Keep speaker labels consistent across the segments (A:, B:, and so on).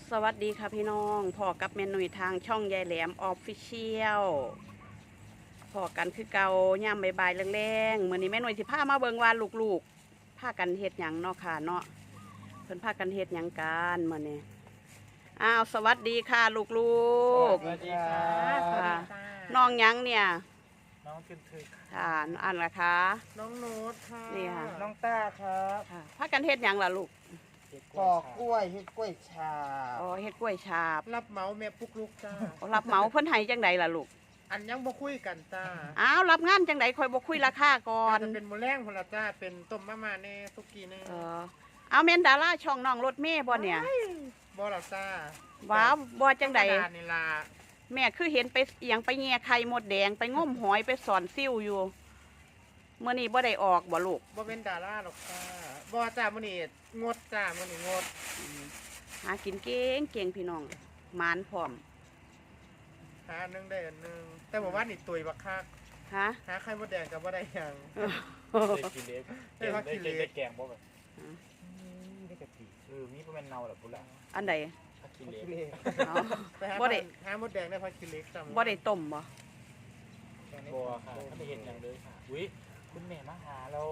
A: สวัสดีค่ะพี่น้องพ่อกับแม่หนุ่ยทางช่องยายแหลมออฟฟิเชียลพ่อกันคือเก่าย่ำบ่ายๆแรงๆมื้อนี้แม่หนุ่ยสิพามาเบิ่งว่าลูกๆพากันเฮ็ดหยังเนาะค่ะเนาะเพิ่นพากันเฮ็ดหยังกันมื้อนี้สวัสดีค่ะลูก
B: สวัสดีค่ะ
A: ๆค่ะน้องหยังเนี่ย
B: น้องทึนทึก
A: ค่ะอันละคะ
B: น้องโน้ตค่ะ
A: นี่ค่ะ
B: น้องต้าครับ
A: ค่ะพากันเฮ็ดหยังล่ะลูก
B: ปอกกล้วยเฮ็ดกล้วยฉาบ
A: อ๋อเฮ็ดกล้วยฉาบ
B: รับเหมาแม่ปุกลุกจ้า
A: รับเหมาเพิ่นให้จังใดล่ะลูก
B: อันยังบ่คุยกันจ้า
A: รับงานจังใดคอยบ่คุยราคาก่อน
B: จะเป็นมื้อแรงพุ่นละจ้าเป็นต้มมะม่าแน่สุกี้แน่
A: เอาเมนดาราช่องน้องรถเมย์บ่เนี่ย
B: บ่ล่ะจ้า
A: ว้าวบ่จังใด
B: ธรรมานี่ล่ะ
A: แม่คือเห็นไปเอียงไปแง่ไข่มดแดงไปง้มหอยไปสอนซิ่วอยู่เมื่อนี้บ่ได้ออกบ่ลูก
B: บ่เป็นดาราหรอกจ้าบ่จ้ามื้อนี้งดจ้ามื้อนี้งด
A: หากินเก่งเก่งพี่น้องหมานพร้อม
B: หาอันหนึงได้อันหนึงแต่บ่ว่านี่ตุยบักคัก
A: ฮะ
B: หาไข่มดแดงก็บ่ได้หยัง
C: ได้กินเล็ก
B: ได้พักกินเล็ก
C: ได้แกงบ่แบบได้กะทิมีประมาณเนาหรอพุ่นละ
A: อันใด
C: พักกิน
B: พัก
C: เล็ก
B: กินเล็ก
A: เอา
B: ไปหา
A: บ่ได้
B: หามดแดงได้พักกินเล็กจำ
A: บ่ได้ต้มบ่
C: บัวค่ะถ้าไม่เห็นอย่างเลยค่ะอุ้ยคุณแม่มาหาเรา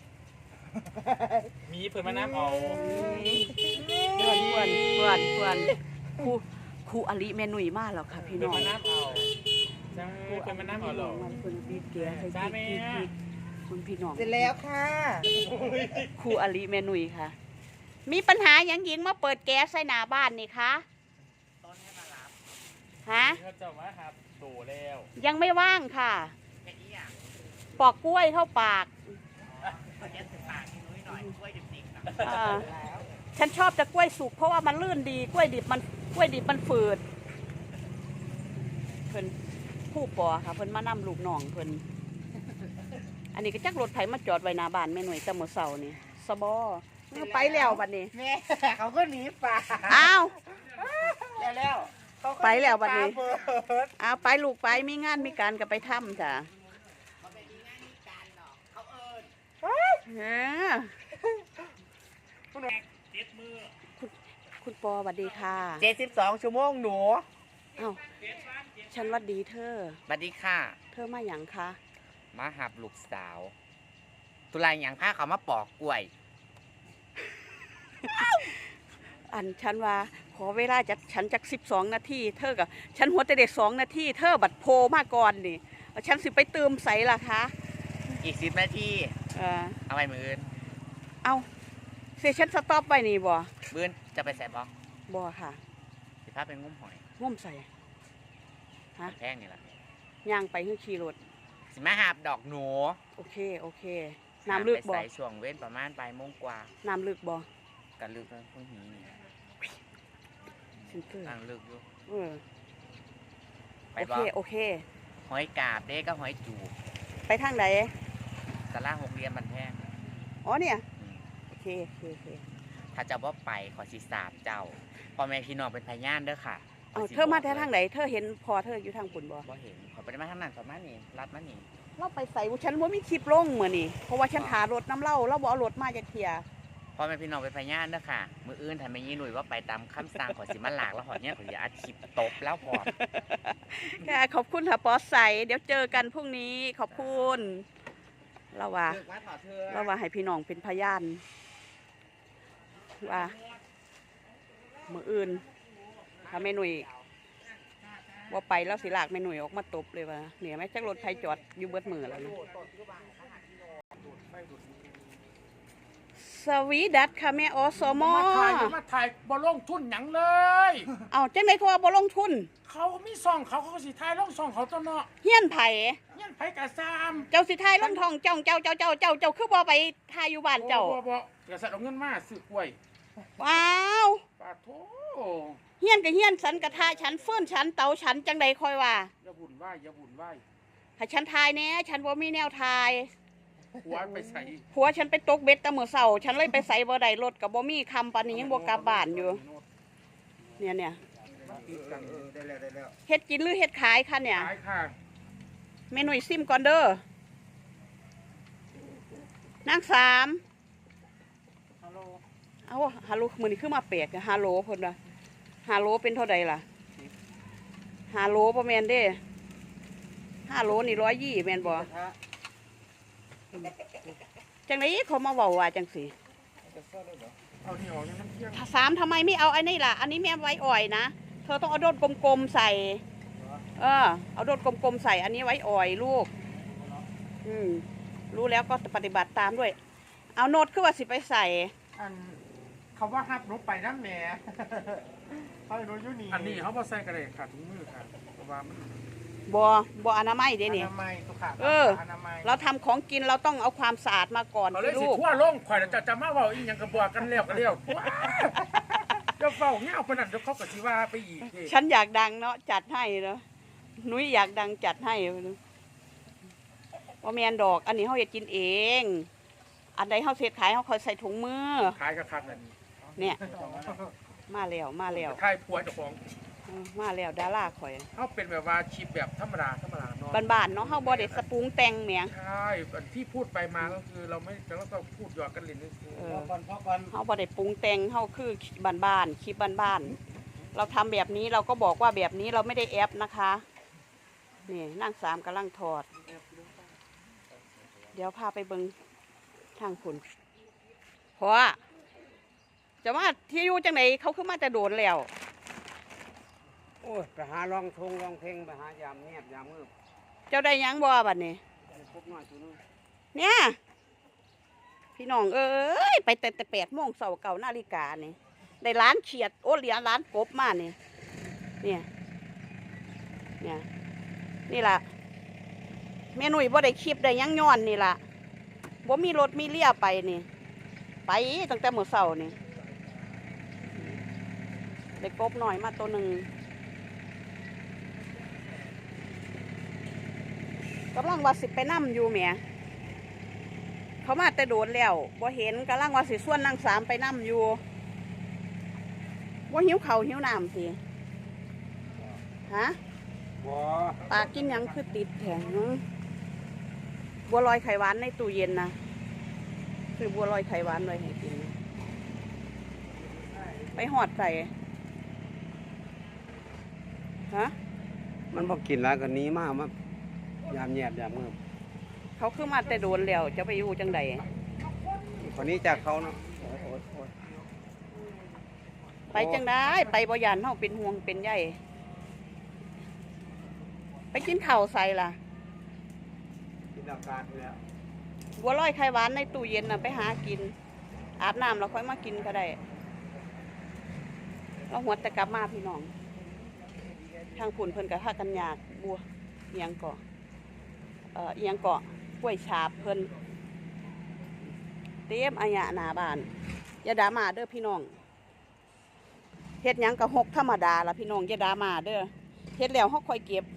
C: มีเพิ่นมาน้ำเอา
A: เพื่อนครูอลิแม่หนุ่ยมาแล้วค่ะพี่
C: เพิ่
A: น้
C: น
A: อง
C: มาน้ำเอาจังเพิ่นมาน้ำเอาหรอ
A: มันเพิ่นบีบแกให้
C: จ้าแม่
A: บีบคุณพี่น้อง
B: เสร็จแล้วค่ะ
A: ครูอลิแม่หนุ่ยค่ะ มีปัญหาหยังหญิงมาเปิดแก๊สใส่หน้าบ้านนี่คะฮะ
C: เขาจะมาครับโตแล้ว
A: ยังไม่ว่างค่ะ ปอกกล้วยเข้าปากฉันชอบจะกล้วยสุกเพราะว่ามันลื่นดีกล้วยดิบมันฝืดเพิ่นผู้ปอค่ะเพิ่นมานํลูกน้องเพิ่นอันนี้ก็จักรถไถมาจอดไว้หน้าบ้านแม่หน่วยแต่มื้อเช้านี่สบอไปแล้วบัดนี้
B: แม่เขาก็หนีป่า
A: อ้าว
B: แล้วเขาก็
A: ไปแล้วบัดนี้
B: หป่าเบิด
A: เอาไปลูกไปมีงานมีการก็ไปทำจ้ะเออคุณปอสวัสดีค่ะ
B: 72 ชั่วโมงหนู
A: เอ้าฉันหวัดดีเธอ
D: สวัสดีค่ะ
A: เธอมาหยังคะ
D: มาหับลูกสาว ตุลาอย่างพาเขามาปอกกล้วย
A: อันฉันว่าขอเวลาจากฉันจาก12 นาทีเธอกับฉันหัวแต่เด็ก2 นาทีเธอบัดโพมาก่อนนี่ฉันสิไปเติมใสล่ะคะ
D: อีก10 นาที เอาไปมืออื่น
A: เอาเซฉันสต็อปไว้นี่บ่
D: มื้ออื่นจะไปใส่บอก
A: บ่ค่ะ
D: สิพาเป็นงุ้มหอย
A: ง่มใส่ฮะ
D: แพงนี่แหละ
A: ย่างไปขึ้นขี่รถ
D: สิมาหับดอกหนู
A: โอเคน้ำลึก
D: ไป
A: บ่
D: ใส่ช่วงเว้นประมาณปลายโมงกว่า
A: น้ำลึกบ่
D: กันลึกแล้วพวกนี้นี่
A: ฉันเกิด
D: ตั้งลึกอยู่
A: เออ
D: ไป
A: โอ
D: บ่
A: เคโอเค
D: หอยกาบเด้ก็หอยจูบ
A: ไปทางไหน
D: ตลาดหกเหลี่ยมบันแพง
A: อ๋อเนี่ย
D: อืม
A: โอเค
D: ถ้าเจ้าบ่ไปขอสิสาบเจ้าพ่อแม่พี่น้องเป็นพยานเด้อค่ะ
A: เอา
D: ขสิ
A: เธอมา
D: บก
A: แต่ทางไหนเธอเห็นพอเธออยู่ทางปุ่นบ่
D: บ่เห็นขอไปได้มาทางนั้นประมาณนี้รัดมานี่
A: เราไปใส่ฉันว่ามีคลิปลงเหมือนนี่เพราะว่าฉันหารถน้ำเหล้าเราบ่เอารถมาจากเทีย
D: พ่อแม่พี่น้องเป็นพยานเด้อค่ะ มืออื่นถ้าไม่ยี่หนุ่ยว่าไปตามคำสั่งขอสิมาหลากแล้วหอดเนี่ยขออย่าอัดคลิปตบแล้วพอ
A: ค่ะขอบคุณค่ะปอใสเดี๋ยวเจอกันพรุ่งนี้ขอบคุณเราว่า
D: เลือกมาถอดเธอ
A: เราว่าให้พี่น้องเป็นพยานว่ามืออื่นถ้าแม่หนุ่ยว่าไปแล้วสิลากแม่หนุ่ยออกมาตบเลยว่าเนี่ยแม่จักรถไทยจอดอยู่เบิดมือแล้วนะสวีดัตค่ะแม่อสม
E: มาถ่ายบอลงทุนหยังเลย
A: เอาจังได๋เขาว่าบ่ลงทุน
E: เขามีซองเขาก็สิถ่ายลงซองเขาตัวเนาะ
A: เฮียนไผ
E: เงี้ยไผกะซาม
A: เจ้าสิทายลงทองเจ้าคือบ่ไปทายอยู่บ้านเจ้า
E: บ่กะสัตว์เอาเงินมาซื้อกล้วย
A: ว้าว
E: ปาโถ
A: เฮียนกับเฮียนสันกระทาฉันเฟื่อนฉันเตาฉันจังใดคอยว่า
E: อย่าบุญไหวอย่าบุญไหว
A: ให้ฉันทายแน่ฉันบ่มีแนวทาย
E: หัวไปใส่
A: ผัวฉันไปตกเบ็ดแตะมื้อเช้าฉันเลยไปใส่บ่ได้รถก็บ่มีคำปานนี้ยังบ่กลับบ้านอยู่เนี่ย
E: ติดกัน
B: ได้แล้ว
A: เฮ็ดกินหรือเฮ็ดขายคะเนี่ย
E: ขายค่ะ
A: เมนูซิมก่อนเด้อนางสาม
E: ฮัลโหล
A: เอาฮัลโหลมื้อนี้คือมาแปลกอะฮัลโหลเพิ่นว่า 5 โลเป็นเท่าใดล่ะ5 โลประมาณเด้5 โลนี่120แม่นบ่จังไดเขามาเว้าว่าจังสิ
B: เอานี่ออกนี่มันเที่ยง
A: ถ้า3ทำไมไม่เอาไอ้นี่ล่ะอันนี้แม่ไว้อ่อยนะเธอต้องเอาโดดกลมๆใส่เอาโดดกลมๆใส่อันนี้ไว้อ่อยลูกรู้แล้วก็ปฏิบัติตามด้วยเอาโนดคือว่าสิไปใส่
B: อันคำว่าฮับรถไปน้ำแหน่เขาให้รถอยู่นี่
E: อันนี้เขาบ่ใส่กระเดกขาดถุงมือค่ะเพราะว่ามัน
A: บ่อนามัยเด้
B: อ
A: นี่
B: นามัยสุขภาพอนามัย
A: เราทำของกินเราต้องเอาความสะอาดมาก่อน
E: เขาเลย
A: สิ
E: สิ
A: ลูก
E: ทั่วโลงข่อยจะมาเว้าอีหยังก็บอกกันแล้วก็แล้วว้าจะเฝ้าเงี้ยเอาปานนั้นเดี๋ยวเขาก็สิว่าไปอีกเด้
A: ฉันอยากดังเนาะจัดให้เนาะนุ้ยอยากดังจัดให้ว่าแมนดอก อันนี้เขาอยากกินเอง อันใดเขาเสร็จขายเขาคอยใส่ถุงมือ
E: ขายคักๆนั่น
A: เนี่ย มาแล้วมาแล้ว
E: ขายผัวเจ้าของ
A: มาแล้วดาราข่อย
E: เขาเป็นแบบว่าชีพแบบธรรมดาเนาะ
A: บ้านๆเนาะเขาบ่ได้สปรุงแต่งแหมง
E: ใช่ที่พูดไปมาก็คือเราไม่เราก็พูดหยอกกันเล่นนี่คือ
A: เขาบ่ได้ปรุงแต่งเขาคือบ้านๆคลิปบ้านๆเราทำแบบนี้เราก็บอกว่าแบบนี้เราไม่ได้แอปนะคะนี่นั่ง3กำลังถอด เดี๋ยวพาไปเบิงทางคุณเพราะว่าจะว่าที่อยู่จังไหนเขาขึ้นมาจะโดนแล้ว
F: โอ้ยไปหาลองทงลองเพลงไปหายามเงียบยามมืด
A: เจ้าได้หยังบ่บัดนี้
F: พบน้อยตัวนึง
A: เนี่ยพี่น้องเอ้ยไปแต่8 โมงเสาร์9 นาฬิกานี่ได้ร้านเขียดโอ้เหลียร้านกบมานี่เนี่ยนี่ล่ะแม่หนุ่ยบ่ได้คลิปได้หยังย้อนนี่ล่ะบ่มีรถมีเลี่ยไปนี่ไปตั้งแต่มื้อเช้านี่ได้กบหน่อยมาตัวหนึ่งกำลังว่าสิไปนั่มอยู่แหมเขามาแต่โดนแล้วบ่เห็นกำลังว่าสิส่วนนาง3ไปนั่มอยู่ว่าหิวข้าวหิวน้ำสิฮะ
F: บ่
A: ปากกินหยังคือติดแข็งบัวลอยไข่หวานในตู้เย็นนะคือบัวลอยไข่หวานเลยให้กินไปหอดใส่ฮะ
F: มันบ่กินแล้วก็หนี้มามายามเงียบยามมืด
A: เขาคือมาแต่โดนแล้วจะไปอยู่จังใด
F: คนนี้จากเขาเนาะ
A: ไปจังได้ไปบ่ยานเฮาเป็นห่วงเป็นใยไปกินข้าวใส่ล่ะ
F: กินอากาศอยู่แล้ว
A: บัวลอยไข่หวานในตู้เย็นน่ะไปหากิน อาบน้ำแล้วค่อยมากินก็ได้เราหัวแต่กลับมาพี่น้องทางผุ่นเพิ่นกับท่ากันยากบัวเอียงเกาะเอียงเกาะกล้วยฉาบเพิ่นเต็มอายะหน้าบ้านอย่าด่ามาเด้อพี่น้องเฮ็ดหยังก็หกธรรมดาล่ะพี่น้องอย่าด่ามาเด้อเฮ็ดแล้วเฮาค่อยเก็บ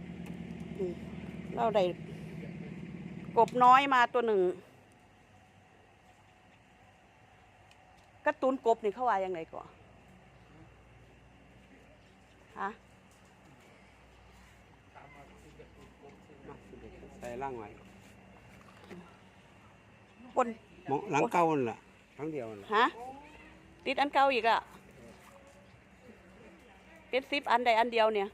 A: เราได้กบน้อยมาตัวหนึ่งการ์ตูนกบนี่เขาว่ายังไงก่อนฮะ
F: ใส่ร่างไว้
A: ปน
F: หมองหลังเก่านั่นล่ะครั้งเดียวนั่นล่ะ
A: ฮะติดอันเก่าอีกอะติด10 อันใดอันเดียวเนี่ย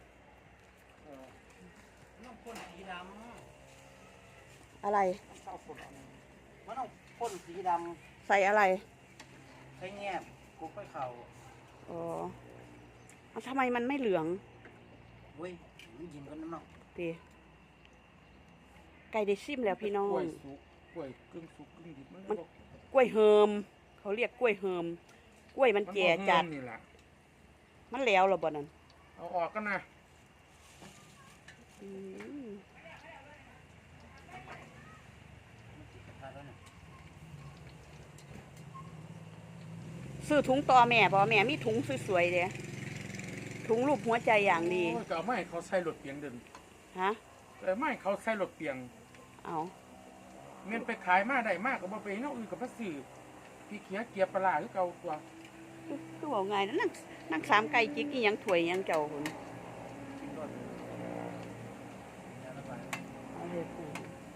A: อะไร
F: มันต้องพ่นสีด
A: ใส่อะไร
F: ำใช้แงบกุบไปเข่า
A: อ๋อเอาทำไมมันไม่เหลือง
F: เว้ยมันยิงกันน้ำเนาะ
A: ตีไก่ได้ซิมแล้วพี่น้อก
E: ล้วย
A: ง
E: สุกกล้วยกึ่งสุกกึ่งดิบ
A: มัน กล้วยเฮิมเขาเรียกกล้วยเฮิมกล้วยมันแก่จัด
E: นี่แหละ
A: มันแล้วเหรอบ่นั่น
E: เอาออกกันนะ
A: อืมซื้อถุงต่อแม่บ่แม่มีถุงสวยๆเด้ถุงรูปหัวใจอย่างดี
E: โอ้ยก็เอาไม้เขาใส่รถเปียงเดิน
A: ฮะ
E: แต่ไม้เขาใส่รถเปียง
A: เอา
E: เงินไปขายมาได้มากก็บ่ไปเนาะอื่นกับพระสื่อพี่เขียเกียบปลาหรือเก่าตัว
A: คือบอกไงนะนั่งสามไก่จิกอีหยังถ้วยอีหยังเจ้าคนเอาเลยปู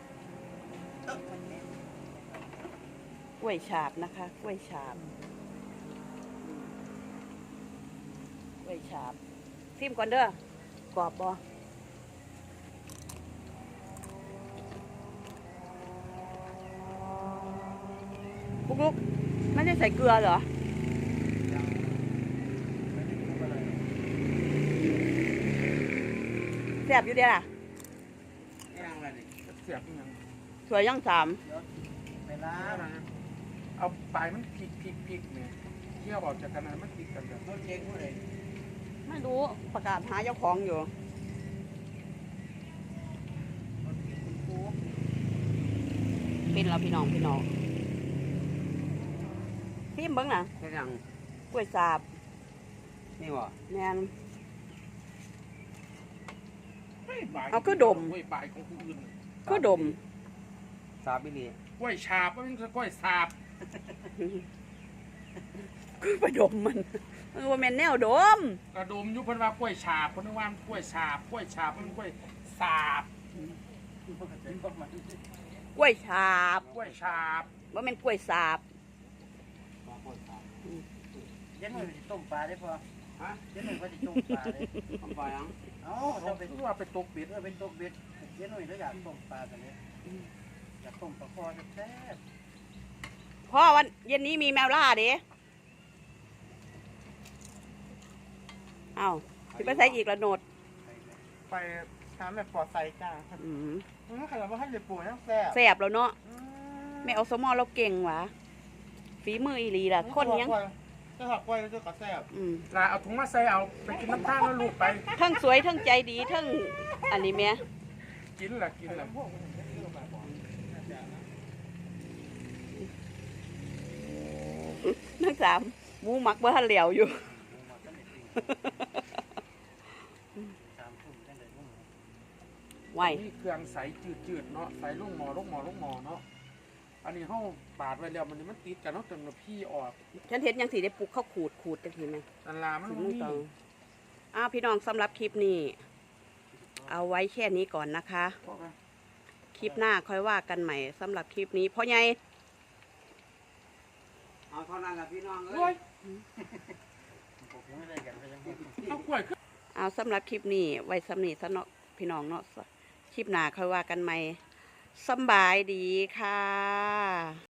A: กล้วยฉาบนะคะกล้วยฉาบไว้ฉาบซิมก่อนเด้อกรอบบ่ลุกๆไม่ได้ใส่เกลือเหรอแซ่บอยู่เด้อล่ะ
F: ย่างอะไรนี่
E: เสียบอีหยัง
A: สวยย่างสาม
F: เวลา
E: เอาปลายมันพลิกเนี่ยเที่ยวออกจากกันนะมันพลิกกันแบบ
F: รถเช็คผู้ใด
A: ไม่รู้ประกาศหาเจ้าของอยู่
F: รถเช็คคุณครู
A: เป็นแล้วพี่น้องซิมเบิ้งน่ะ
F: แค่ยัง
A: กล้วยสาบ
F: นี่บ่
A: แม่น
E: ปลาย
A: เอาคือดม
E: กล้วยปลายของผู้อื่น
A: ก็ดม
F: สาบิลี
E: กล้วยฉาบมันคือกล้วยสาบ
A: คือไปดมมันว่าแม่นแนวดม
E: กระดมอยุพันว่ากล้วยฉาบคนนึกว่ากล้วยฉาบมันกล้วยสาบ
A: กล้วยฉาบ
E: กล้วยฉาบ
A: ว่าแม่นกล้วยสาบ
F: เย็นหน่อยไปต้มปลาได้พอฮะเย็นหน่อยว่าจะต้มปลาเลยต้มปลายังเอ้า
E: เรา
F: เรา
E: ไป
F: เป็น
E: ว่าไปตกเบ็ด
F: เป็นต้มเบ็ดเย็นหน่อยแล้วอยากต้มปลากันเลยอยากต้มปลาคอแซ่บ
A: พ่อวันเย็นนี้มีแมวล่าเด้เอ้าสิไปใส่อีกละโนด
B: ไปทำแบบปลอดใส่จ้า
A: อืม
B: ขนาดว่าให้เด็กปู่ยังแซ่บ
A: แสบแล้วเนาะแม่เอาสมอเราเก่งหวะฝีมืออีหลีล่ะคนยัง
B: จะหักกล้วยจะกระแซ่บ
A: อืม
E: ลาเอาถุงมาใส่เอาไปกินน้ำตาลแล้วลูกไป
A: ทั้งสวยทั้งใจดีทั้งอันนี้แม่
E: กินแหละกินแหละ
A: ทั้งสามหมูหมักบ่ทันเหลียวอยู่ ไหว
E: นี่เครื่องใสจืดๆเนาะใส่ลูกหมอเนาะอันนี้ห้องปาดไว้แล้วมันติดกันเนาะจนมาพี่ออก
A: ฉันเห็นยังสีได้ปลูกข้าวขูดจังทีไหม
E: นันลามัน
A: ถึง
E: บ่
A: มือ
E: มี
A: ตองพี่น้องสำหรับคลิปนี้ เอาไว้แค่นี้ก่อนนะคะ คลิปหน้าค่อยว่ากันใหม่สำหรับคลิปนี้พ่อใหญ่
F: เอาเท่านั้นแหละพี่น้องเอ้
E: โอ้
F: ย
E: ยเอากล้วยขึ้น
A: เอาสำหรับคลิปนี้ไว้สำนีซะเนาะพี่น้องเนาะคลิปหน้าค่อยว่ากันใหม่สำบายดีค่ะ